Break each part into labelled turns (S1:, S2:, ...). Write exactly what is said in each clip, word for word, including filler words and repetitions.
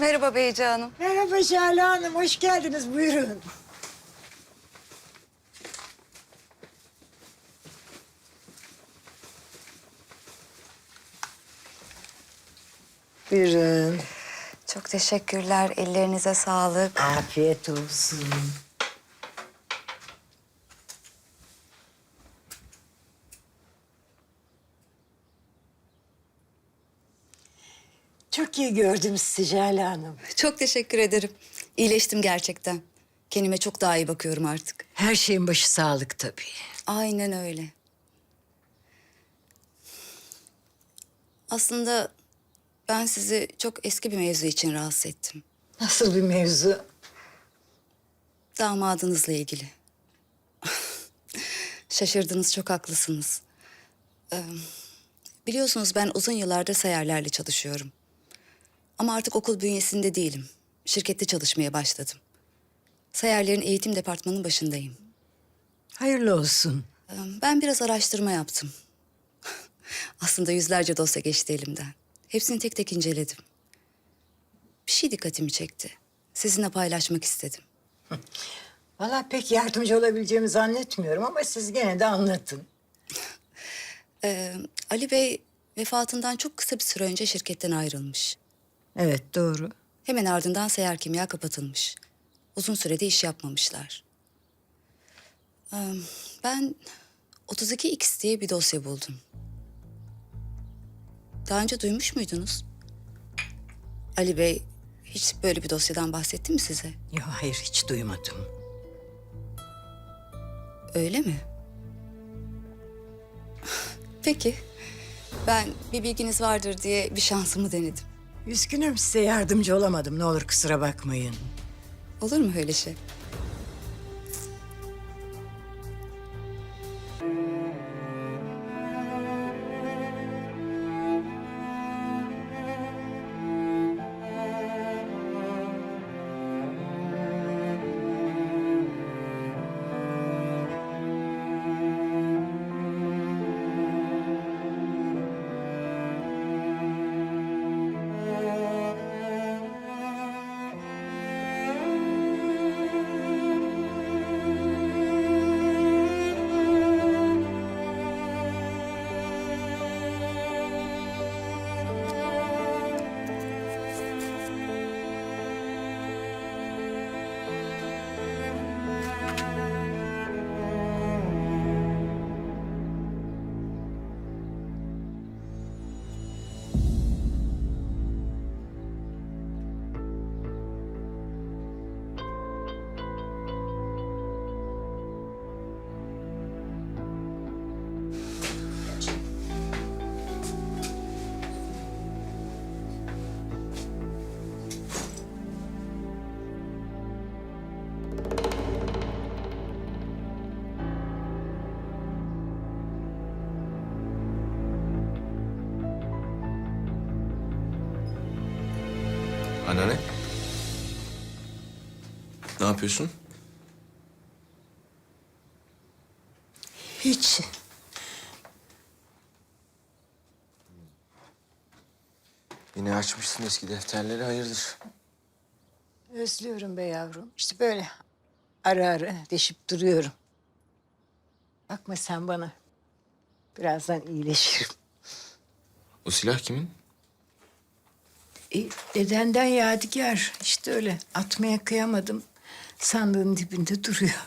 S1: Merhaba Beyci Hanım.
S2: Merhaba Şale Hanım, hoş geldiniz. Buyurun. Buyurun.
S1: Çok teşekkürler. Ellerinize sağlık.
S2: Afiyet olsun. Çok iyi gördüm sizi Şale Hanım.
S1: Çok teşekkür ederim. İyileştim gerçekten. Kendime çok daha iyi bakıyorum artık.
S2: Her şeyin başı sağlık tabii.
S1: Aynen öyle. Aslında ben sizi çok eski bir mevzu için rahatsız ettim.
S2: Nasıl bir mevzu?
S1: Damadınızla ilgili. Şaşırdınız, çok haklısınız. Ee, biliyorsunuz ben uzun yıllardır sayarlarla çalışıyorum. Ama artık okul bünyesinde değilim. Şirkette çalışmaya başladım. Sayarların eğitim departmanının başındayım.
S2: Hayırlı olsun.
S1: Ee, ben biraz araştırma yaptım. Aslında yüzlerce dosya geçti elimden. Hepsini tek tek inceledim. Bir şey dikkatimi çekti. Sizinle paylaşmak istedim.
S2: Vallahi pek yardımcı olabileceğimi zannetmiyorum ama siz gene de anlatın.
S1: Ee, Ali Bey vefatından çok kısa bir süre önce şirketten ayrılmış.
S2: Evet, doğru.
S1: Hemen ardından Seyyar Kimya kapatılmış. Uzun sürede iş yapmamışlar. Ee, ben otuz iki X diye bir dosya buldum. Daha önce duymuş muydunuz? Ali Bey hiç böyle bir dosyadan bahsetti mi size?
S2: Yok, hayır, hiç duymadım.
S1: Öyle mi? Peki. Ben bir bilginiz vardır diye bir şansımı denedim.
S2: Üzgünüm, size yardımcı olamadım. Ne olur kusura bakmayın.
S1: Olur mu öyle şey?
S3: Anneanne. Ne yapıyorsun?
S2: Hiç.
S3: Yine açmışsın eski defterleri, hayırdır?
S2: Özlüyorum be yavrum. İşte böyle ara ara deşip duruyorum. Bakma sen bana. Birazdan iyileşirim.
S3: O silah kimin?
S2: E, dedenden yadigar. İşte öyle. Atmaya kıyamadım. Sandığın dibinde duruyor.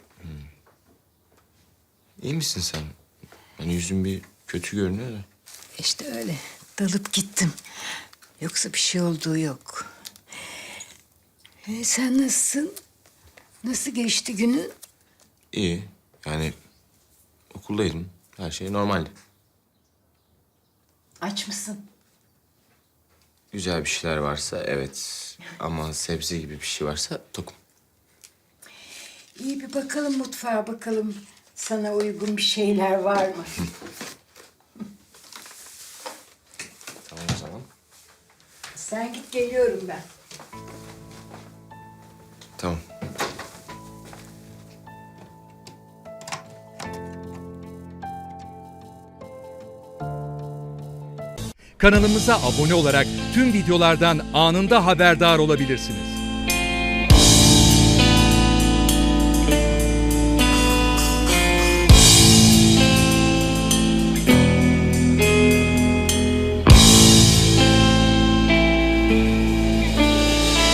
S3: İyi misin sen? Hani yüzün bir kötü görünüyor da.
S2: İşte öyle. Dalıp gittim. Yoksa bir şey olduğu yok. E, sen nasılsın? Nasıl geçti günün?
S3: İyi. Yani okuldaydım. Her şey normaldi.
S2: Aç mısın?
S3: Güzel bir şeyler varsa evet. Ama sebze gibi bir şey varsa tokum.
S2: İyi bir bakalım mutfağa bakalım. Sana uygun bir şeyler var mı?
S3: Tamam o zaman.
S2: Sen git, geliyorum ben.
S3: Tamam.
S4: Kanalımıza abone olarak tüm videolardan anında haberdar olabilirsiniz.